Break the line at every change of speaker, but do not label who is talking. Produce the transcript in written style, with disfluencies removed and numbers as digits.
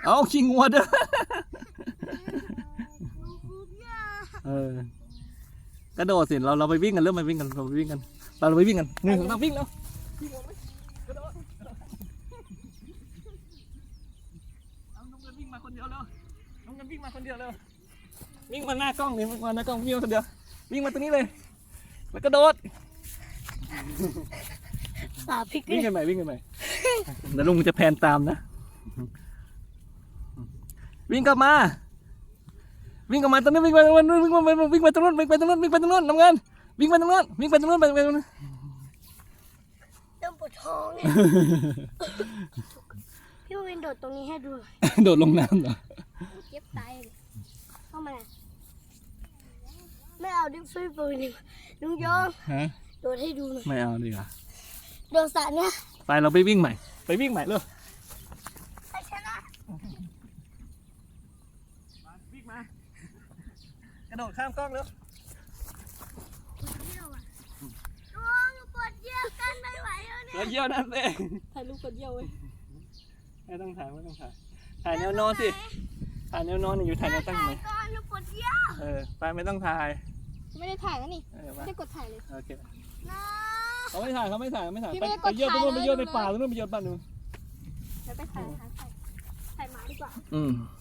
เอาขี้งัวเด้อกระโดดสิเราไปวิ่งกันเริ่มไปวิ่งกันเราไปวิ่งกันเราไปวิ่งกันหนึ่งเราวิ่งแล้วกระโดดเอาน้องเงินวิ่งมาคนเดียวแล้วน้องเงินวิ่งมาคนเดียวแล้ววิ่งมาหน้ากล้องนี่วิ่งมาหน้ากล้องวิ่งมาคนเดียววิ่งมาตรงนี้เลยแล้วกระโดดวิ่งกันใหม่วิ่งกันใหม่เดี๋ยวลุงจะแพนตามนะวิ่งกลับมาตรงนี้วิ่งไปตรงนู้นวิ่งไปตรงนู้นน้ำเงินวิ่งไปตรงนู้นไปตรงนู้นเ
ริ่มปวดท้องเนี่ยพี่วินโดดตรงนี้ให้ดู
โดดลงน้ำเหรอ
เจ็บตายเข้ามาไม่เอาดิฟี่ปืนลุงยองโดดให้ดูหน่อย
ไม่เอาดีกว่า
โดดสระเนี่ย
ไปเราไปวิ่งใหม่เลย
ไปชนะ
วิ่งมากระโดดข้ามกล้องแล้ว
ปวดเยี่ยวกันไม่ไหวแล้วเนี่ย
เยี่ยวนั่นเอง
ถ่ายรูปปวดเยี่ยวเว้ย
ไม่ต้องถ่ายแนวนอนสิถ่ายแนวนอนอยู่ถ่ายแนวตั้งไหม
ก่อนปวดเยี่ยว
ไปไม่ต้องถ่าย
ไม่ได้ถ่ายแล้วนี่ไม่ได้กดถ่ายเลย
โอเคเขาไม่ถ่ายไปเยี่ยวตรงนู้นไปเยี่ยวในป่าตรงนู้นไปเยี่ยวบ้านนู้น
ไปถ่ายหมาดีกว่า